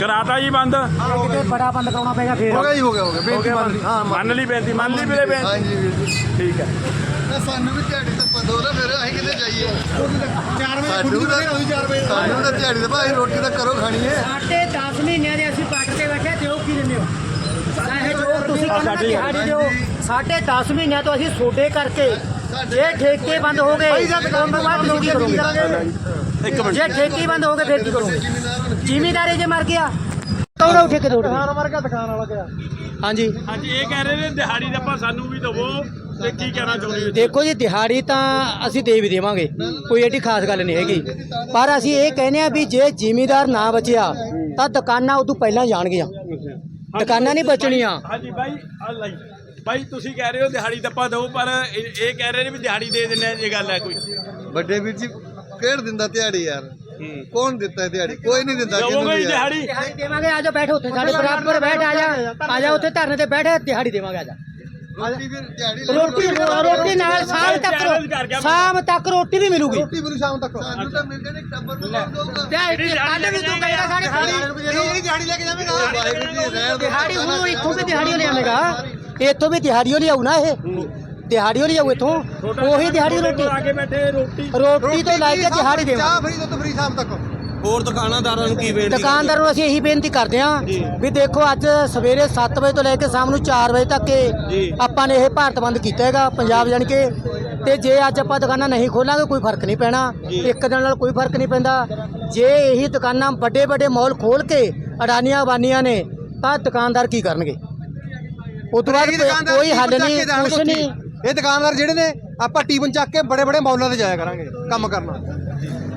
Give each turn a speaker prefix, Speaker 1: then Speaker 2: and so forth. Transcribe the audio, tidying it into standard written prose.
Speaker 1: ਕਰਾਤਾ ਜੀ ਬੰਦ
Speaker 2: ਕਿਤੇ ਬੜਾ ਬੰਦ ਕਰਾਉਣਾ ਪਏਗਾ ਫੇਰ
Speaker 3: ਹੋ ਗਿਆ ਜੀ, ਹੋ ਗਿਆ ਬੇਨਤੀ ਮੰਨ ਲਈ। ਹਾਂ
Speaker 1: ਮੰਨ ਲਈ ਬੇਨਤੀ ਵੀਰੇ ਬੇਨਤੀ
Speaker 3: ਹਾਂਜੀ ਵੀਰ ਜੀ।
Speaker 1: ਠੀਕ ਹੈ
Speaker 3: ਸਾਨੂੰ ਵੀ ਦਿਹਾੜੀ ਤਾਂ ਪਤਾ ਹੋ ਨਾ ਫਿਰ ਅਸੀਂ ਕਿੱਥੇ ਜਾਈਏ
Speaker 2: 4
Speaker 3: ਸਾਨੂੰ ਤਾਂ ਦਿਹਾੜੀ ਤਾਂ ਭਾਈ ਰੋਟੀ ਤਾਂ ਕਰੋ ਖਾਣੀ ਹੈ।
Speaker 2: ਸਾਡੇ 10 ਮਹੀਨਿਆਂ ਦੇ ਅਸੀਂ ਪੱਟ ਤੇ ਬੈਠੇ ਦਿਓ ਕੀ ਦਿੰਦੇ ਹੋ ਚਾਹੇ ਜੋ ਤੁਸੀਂ ਕਹਿੰਦੇ ਦਿਹਾੜੀ ਦਿਓ 10.5 ਮਹੀਨਿਆਂ ਤੋਂ ਅਸੀਂ ਸੋਡੇ ਕਰਕੇ ਜੇ ਠੇਕੇ ਬੰਦ ਹੋ ਗਏ ਉਸ ਤੋਂ ਬਾਅਦ ਤੁਸੀਂ ਕੀ ਕਰੋਗੇ?
Speaker 1: ਇੱਕ ਮਿੰਟ
Speaker 2: ਜੇ ਠੇਕੇ ਬੰਦ ਹੋ ਗਏ ਫਿਰ ਕੀ ਕਰੋਗੇ? ਜ਼ਿਮੀਦਾਰੇ ਜੇ ਮਰ ਗਿਆ ਕੌਣ ਉਹ ਠੇਕੇ ਤੋੜ
Speaker 3: ਮਰ ਗਿਆ ਦੁਕਾਨ ਵਾਲਾ ਗਿਆ।
Speaker 2: ਹਾਂਜੀ
Speaker 1: ਹਾਂਜੀ ਇਹ ਕਹਿ ਰਹੇ ਨੇ ਦਿਹਾੜੀ ਦਾ ਆਪਾਂ ਸਾਨੂੰ ਵੀ ਦਵੋ ਤੇ ਕੀ ਕਹਿਣਾ ਚਾਹੁੰਦੇ ਹੋ?
Speaker 2: ਦੇਖੋ ਜੀ ਦਿਹਾੜੀ ਤਾਂ ਅਸੀਂ ਦੇ ਵੀ ਦੇਵਾਂਗੇ ਕੋਈ ਐਡੀ ਖਾਸ ਗੱਲ ਨਹੀਂ ਹੈਗੀ ਪਰ ਅਸੀਂ ਇਹ ਕਹਿੰਦੇ ਆ ਵੀ ਜੇ ਜ਼ਿਮੀਦਾਰ ਨਾ ਬਚਿਆ ਤਾਂ ਦੁਕਾਨਾਂ ਉਦੋਂ ਪਹਿਲਾਂ ਜਾਣਗੀਆਂ ਦੁਕਾਨਾਂ ਨਹੀਂ ਬਚਣੀਆਂ।
Speaker 1: ਹਾਂਜੀ ਬਾਈ ਅੱਲਾ ਜੀ ਬਾਈ ਤੁਸੀਂ ਕਹਿ ਰਹੇ ਹੋ ਦਿਹਾੜੀ ਦੱਪਾ ਦਿਓ ਪਰ ਇਹ ਕਹਿ ਰਹੇ ਨੇ ਵੀ ਦਿਹਾੜੀ ਦੇ ਦਿੰਦੇ ਆ ਇਹ ਗੱਲ ਹੈ ਕੋਈ
Speaker 3: ਵੱਡੇ ਵੀਰ ਜੀ ਕਿਹੜ ਦਿੰਦਾ ਦਿਹਾੜੀ ਯਾਰ? ਕੌਣ ਦਿੱਤਾ ਦਿਹਾੜੀ? ਕੋਈ ਨਹੀਂ ਦਿੰਦਾ ਕਿਹਨੂੰ
Speaker 1: ਦਵੋਗੇ
Speaker 3: ਵੀ ਯਾਰ।
Speaker 1: ਦਿਹਾੜੀ
Speaker 2: ਦਿਹਾੜੀ ਦੇਵਾਂਗੇ ਆ ਜਾ ਬੈਠੋ ਉੱਥੇ ਸਾਡੇ ਬਰਾਬਰ ਬੈਠ ਆ ਜਾ ਉੱਥੇ ਧਰਨੇ ਤੇ ਬੈਠ ਦਿਹਾੜੀ ਦੇਵਾਂਗੇ ਆ ਜਾ
Speaker 3: ਰੋਟੀ ਫਿਰ ਦਿਹਾੜੀ
Speaker 2: ਰੋਟੀ ਨਾਲ ਸ਼ਾਮ ਤੱਕ ਰੋਟੀ ਵੀ ਮਿਲੂਗੀ
Speaker 3: ਰੋਟੀ ਮੈਨੂੰ ਸ਼ਾਮ ਤੱਕ ਸਾਨੂੰ ਤਾਂ ਮਿਲ ਜਾਣੀ ਟੱਬਰ ਨੂੰ ਕੌਣ ਦਊਗਾ?
Speaker 2: ਕੱਲ ਵੀ ਤੂੰ ਕਹੇਗਾ ਸਾਡੇ
Speaker 3: ਦਿਹਾੜੀ ਲੈ ਕੇ ਜਾਵੇਂਗਾ ਵਾਹਿਗੁਰੂ ਜੀ ਰਹਿਣ ਦਿਓ।
Speaker 2: ਦਿਹਾੜੀ ਹੁਣ ਇੱਥੋਂ ਵੀ ਦਿਹਾੜੀ ਲਿਆਵੇਗਾ ਇੱਥੋਂ ਵੀ ਦਿਹਾੜੀ ਲਿਆਉ ਨਾ ਇਹ ਦਿਹਾੜੀ ਲਿਆਉ ਇੱਥੋਂ ਉਹੀ ਦਿਹਾੜੀ ਰੋਟੀ
Speaker 1: ਆ ਕੇ ਬੈਠੇ
Speaker 2: ਰੋਟੀ ਤੋਂ ਲੈ ਕੇ ਦਿਹਾੜੀ ਦੇਵਾਂਗੇ
Speaker 3: ਚਾਹ ਫਰੀ ਦੁੱਧ ਫਰੀ ਸ਼ਾਮ ਤੱਕ।
Speaker 4: ਹੋਰ ਦੁਕਾਨਦਾਰਾਂ ਨੂੰ ਕੀ ਬੇਨਤੀ
Speaker 2: ਦੁਕਾਨਦਾਰ ਨੂੰ ਅਸੀਂ ਇਹੀ ਬੇਨਤੀ ਕਰਦੇ ਹਾਂ ਵੀ ਦੇਖੋ ਅੱਜ ਸਵੇਰੇ 7 ਵਜੇ ਤੋਂ ਲੈ ਕੇ ਸ਼ਾਮ ਨੂੰ 4 ਵਜੇ ਤੱਕ ਆਪਾਂ ਨੇ ਇਹ ਭਾਰਤ ਬੰਦ ਕੀਤਾ ਹੈਗਾ ਪੰਜਾਬ ਜਾਣੀ ਕਿ ਤੇ ਜੇ ਅੱਜ ਆਪਾਂ ਦੁਕਾਨਾਂ ਨਹੀਂ ਖੋਲਾਂਗੇ ਕੋਈ ਫਰਕ ਨਹੀਂ ਪੈਣਾ ਇੱਕ ਦਿਨ ਨਾਲ ਕੋਈ ਫਰਕ ਨਹੀਂ ਪੈਂਦਾ ਜੇ ਇਹੀ ਦੁਕਾਨਾਂ ਵੱਡੇ ਵੱਡੇ ਮਾਲ ਖੋਲ ਕੇ ਅਡਾਨੀਆਂ ਬਾਨੀਆਂ ਨੇ ਤਾਂ ਦੁਕਾਨਦਾਰ ਕੀ ਕਰਨਗੇ ਉਸ ਤੋਂ ਬਾਅਦ ਕੋਈ ਹੱਲ ਨਹੀਂ ਕੁਛ ਨਹੀਂ।
Speaker 3: ਇਹ ਦੁਕਾਨਦਾਰ ਜਿਹੜੇ ਨੇ ਆਪਾਂ ਟੀਵਨ ਚੱਕ ਕੇ ਬੜੇ ਬੜੇ ਮੌਲਾਂ ਤੇ ਜਾਇਆ ਕਰਾਂਗੇ ਕੰਮ ਕਰਨਾ।